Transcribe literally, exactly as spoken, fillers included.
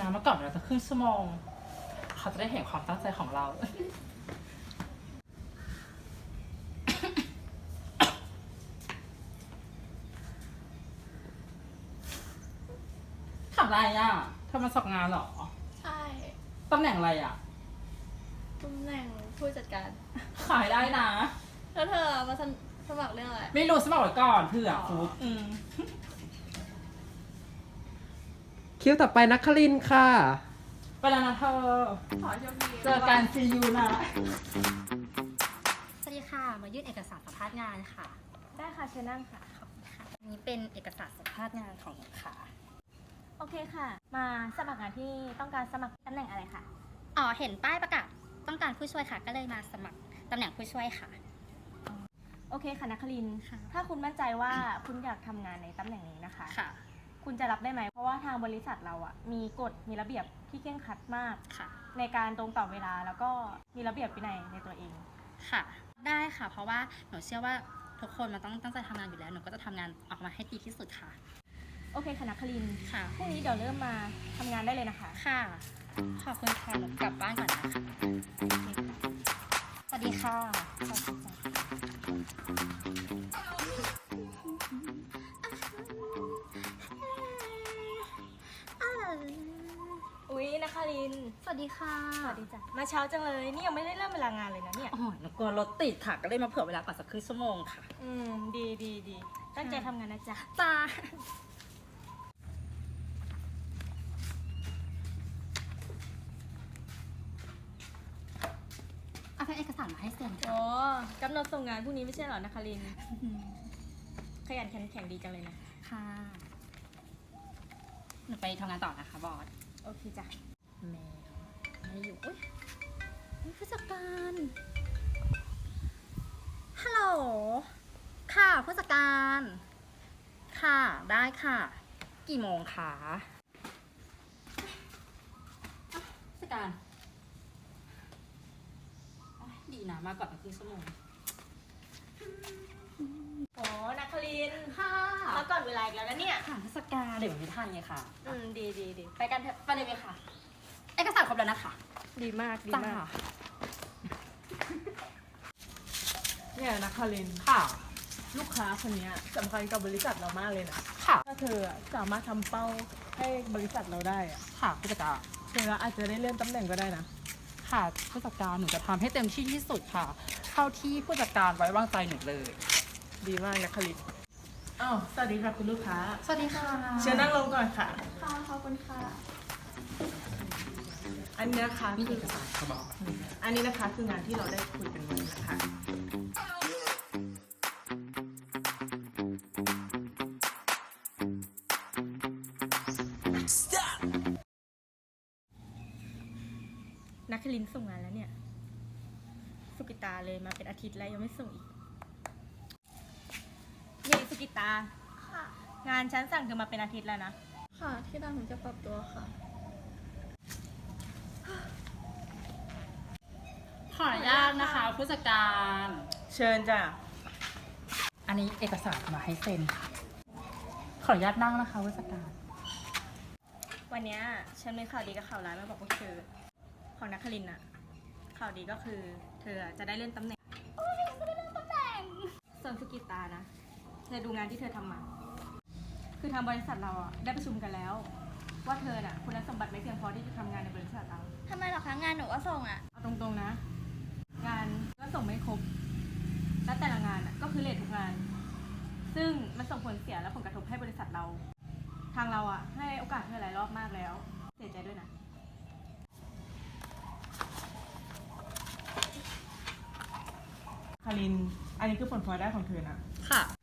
นะเมื่อก่อนเราจะครึ่งชั่วโมงเขาจะได้เห็นความตั้งใจของเราทำอะไรอ่ะเธอมาสอบงานเหรอใช่ตำแหน่งอะไรอ่ะตำแหน่งผู้จัดการขายได้นะแล้วเธอมาสมัครเรื่องอะไรไม่รู้สมัครไว้ก่อนเผื่อฟุกอืมคิวต่อไปนักคลินทร์ค่ะไปแล้วนะเธอขอโชคดีเจอกันซียูนะสวัสดีค่ะ มายื่นเอกสารสัมภาษณ์งานค่ะได้ค่ะเชิญนั่งค่ะขอบคุณค่ะอันนี้เป็นเอกสารสัมภาษณ์งานของหนูค่ะโอเคค่ะ มาสมัครงานที่ต้องการสมัครตำแหน่งอะไรคะอ๋อ เห็นป้ายประกาศต้องการผู้ช่วยค่ะ ก็เลยมาสมัครตำแหน่งผู้ช่วยค่ะโอเคค่ะนักคลินทร์ค่ะถ้าคุณมั่นใจว่าคุณอยากทำงานในตำแหน่งนี้นะคะค่ะคุณจะรับได้ไหม เพราะว่าทางบริษัทเราอะมีกฎมีระเบียบที่เคร่งครัดมากค่ะในการตรงต่อเวลาแล้วก็มีระเบียบวินัยในตัวเองค่ะ ได้ค่ะ เพราะว่าหนูเชื่อว่าทุกคนมันต้องตั้งใจทำงานอยู่แล้ว หนูก็จะทำงานออกมาให้ดีที่สุดค่ะโอเคค่ะนักคลินทร์ค่ะพรุ่งนี้เดี๋ยวเริ่มมาทำงานได้เลยนะคะค่ะ ขอบคุณค่ะ หนูกลับบ้านก่อนนะคะสวัสดีค่ะสวัสดีค่ะอุ๊ยนักคลินทร์สวัสดีค่ะสวัสดีจ้ะมาเช้าจังเลย นี่ยังไม่ได้เริ่มเวลางานเลยนะเนี่ยโอ้ยหนูกลัวรถติดค่ะ ก็เลยมาเผื่อเวลาก่อนสักครึ่งชั่วโมงค่ะอืม ดีดีดีตั้งใจทำงานนะจ๊ะจ้าเอาเป็นเอกสารมาให้เซ็นค่ะโอ้กำหนดส่งงานพรุ่งนี้ไม่ใช่เหรอนะคะลิน ขยันขันแข็งดีจังเลยนะค่ะ หนูไปทำงานต่อนะคะบอสโอเคจ้ะแมวไม่อยู่อุ้ยอุ๊ยผู้จัดการ ฮัลโหล ค่ะผู้จัดการ ค่ะ ได้ค่ะ กี่โมงคะอ่ะผู้จัดการอ่ะดีนะ มาก่อนครึ่งชั่วโมงโอ้นักคลินค่ะมาก่อนเวลาอีกแล้วนะเนี่ยค่ะผู้จัดการเดี๋ยวไม่ทันไงค่ะอืม ดีดีดีไปกันเถอะไปเลยไหมคะเอกสารครบแล้วนะคะดีมาก ดีจ้ามากเนี่ยนะคารินค่ะลูกค้าคนเนี้ยสำคัญกับบริษัทเรามากเลยนะค่ะถ้าเธออะสามารถทำเป้าให้บริษัทเราได้อะค่ะผู้จัดการเธออาจจะได้เลื่อนตำแหน่งก็ได้นะค่ะผู้จัดการหนูจะทำให้เต็มที่ที่สุดค่ะ เท่าที่ผู้จัดการไว้วางใจหนูเลยดีมากนะคารินอ้าวสวัสดีค่ะคุณลูกค้าสวัสดีค่ะเชิญนั่งลงก่อนค่ะค่ะ ขอบคุณค่ะอันนี้นะคะมีคืเออกสารเขาบอกอันนี้นะคะคืองานที่เราได้คุยกันไว้นะคะนักคลินส่งงานแล้วเนี่ย สุกิตาเลยมาเป็นอาทิตย์แล้วยังไม่ส่งอีกนี่สุกิตาค่ะงานฉันสั่งเธอมาเป็นอาทิตย์แล้วนะค่ะ ที่ร้านผมจะปรับตัวค่ะขออนุญาตนะคะผู้จัดการเชิญจ้ะอันนี้เอกสารมาให้เซ็นค่ะ ขออนุญาตนั่งนะคะผู้จัดการวันเนี้ยฉันมีข่าวดีกับข่าวร้ายมาบอกพวกเธอ ของนักคลินอะข่าวดีก็คือ เธอจะได้เลื่อนตำแหน่งส่วนสุกิตานะ เธอดูงานที่เธอทำมา คือทางบริษัทเราอะได้ประชุมกันแล้ว ว่าเธอน่ะคุณสมบัติไม่เพียงพอที่จะทำงานในบริษัทเราทำไมเหรอคะ งานหนูก็ส่งอ่ะเอาตรงๆนะ งานก็ส่งไม่ครบ และแต่ละงานอะก็คือเลททุกงาน ซึ่งมันส่งผลเสียและผลกระทบให้บริษัทเรา ทางเราอะให้โอกาสเธอหลายรอบมากแล้ว เสียใจด้วยนะคาริน อันนี้คือผลพลอยได้ของเธอนะค่ะ